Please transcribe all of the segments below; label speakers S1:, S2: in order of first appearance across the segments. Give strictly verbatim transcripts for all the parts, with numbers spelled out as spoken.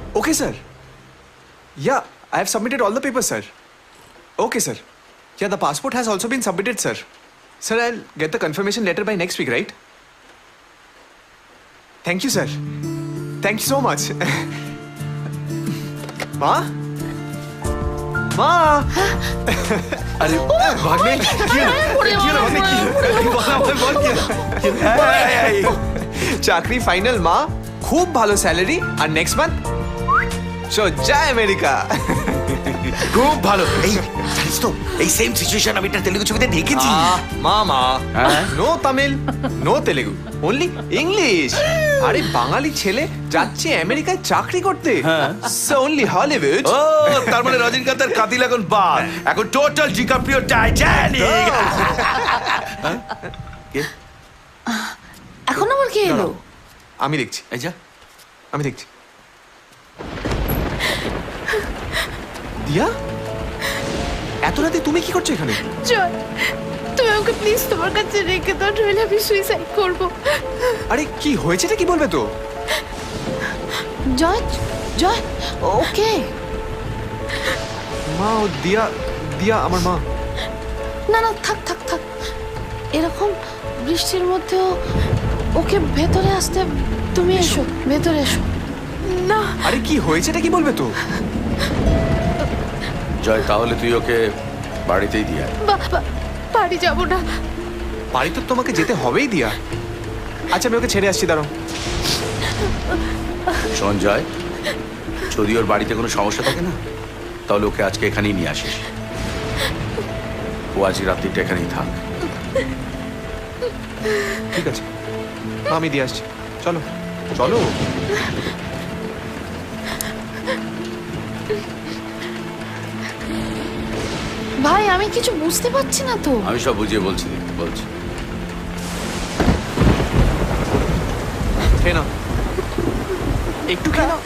S1: Okay, sir. Yeah, I have submitted all the papers, sir. Okay, sir. Yeah, the passport has also been submitted, sir. Sir, I'll get the confirmation letter by next week, right? Thank you, sir. Thank you so much. Ma? Ma?
S2: अरे भाग्ने क्या क्या भाग्ने क्या बोला बोल बोल क्या
S1: চাকরি ফাইনাল মা, খুব ভালো স্যালারি, আর next month so join America.
S2: খুব ভালো। এই জানিস তো এই সেম সিচুয়েশন আমি একটা তেলুগু ছবিতে দেখেছি।
S1: মামা no Tamil no Telugu, only English. আরে বাঙালি ছেলে যাচ্ছে আমেরিকায় চাকরি করতে, সো অনলি হলিউড।
S2: ও তার মানে রজনীকান্তের কাতিল এখন বাদ, এখন টোটাল ডিকাপ্রিও টাইটানিক।
S3: এখন আবার কে এলো?
S1: আমি দেখছি,
S2: এই যা
S1: আমি দেখছি। দিয়া, এত রাতে তুমি কি করছো এখানে?
S3: জয়, তুমি আমাকে প্লিজ তোমার কাছে রেখে দাও, নইলে আমি সুইসাইড করব।
S1: আরে কি হয়েছেটা কি বলবে তো?
S3: জয়, জয়, ওকে।
S1: মা ও দিয়া, দিয়া আমার মা।
S3: না না থাক থাক থাক, এরকম বৃষ্টির মধ্যেও ওকে ভেতরে আসতে, তুমি এসো ভেতরে এসো। না
S1: আরে কি হয়েছেটা কি বলবে তো?
S2: জয়, তাহলে তুই ওকে বাড়িতেই দিয়ে আয়।
S3: বাবা, বাড়ি যাবো না।
S1: বাড়ি তো তোমাকে যেতে হবেই দিয়া। আচ্ছা আমি ওকে ছেড়ে আসছি, দাঁড়াও।
S2: শোন জয়, যদি ওর বাড়িতে কোনো সমস্যা থাকে না, তাহলে ওকে আজকে এখানেই নিয়ে আসিস। ও আজ রাত্রিটা এখানেই থাক।
S1: ঠিক আছে মা, আমি দিয়ে আসছি। চলো চলো।
S3: ভাই আমি কিছু বুঝতে পারছি না তো।
S2: আমি সব বুঝিয়ে বলছি বলছি
S1: খেয়ে নাও, একটু খেয়ে নাও।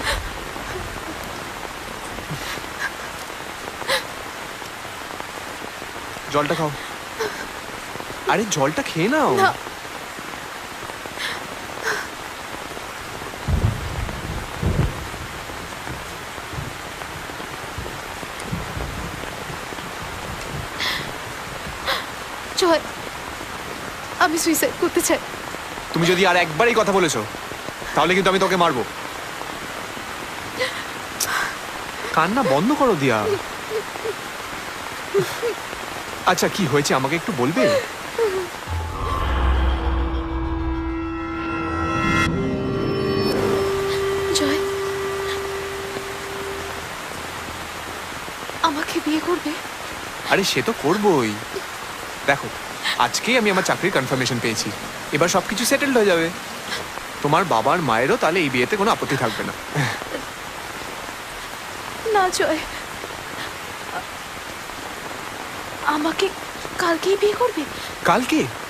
S1: জলটা খাও। আরে জলটা খেয়ে নাও।
S3: না। জয়, আমি সুইসাইড করতে চাই।
S1: তুমি যদি আর একবার এই কথা বলেছো, তাহলে কিন্তু আমি তোকে মারবো। কান্না বন্ধ করো দিয়া। আচ্ছা কি হয়েছে আমাকে একটু বলবে?
S3: জয়, আমাকে বিয়ে করবে?
S1: আরে সে তো করবোই। দেখো আজকেই আমি আমার চাকরির কনফার্মেশন পেয়েছি, এবার সবকিছু সেটেলড হয়ে যাবে। তোমার বাবার মায়েরও তাহলে এই বিয়েতে কোনো আপত্তি থাকবে না।
S3: না জয়, আমাকে কালকেই বিয়ে করবে?
S1: কালকে?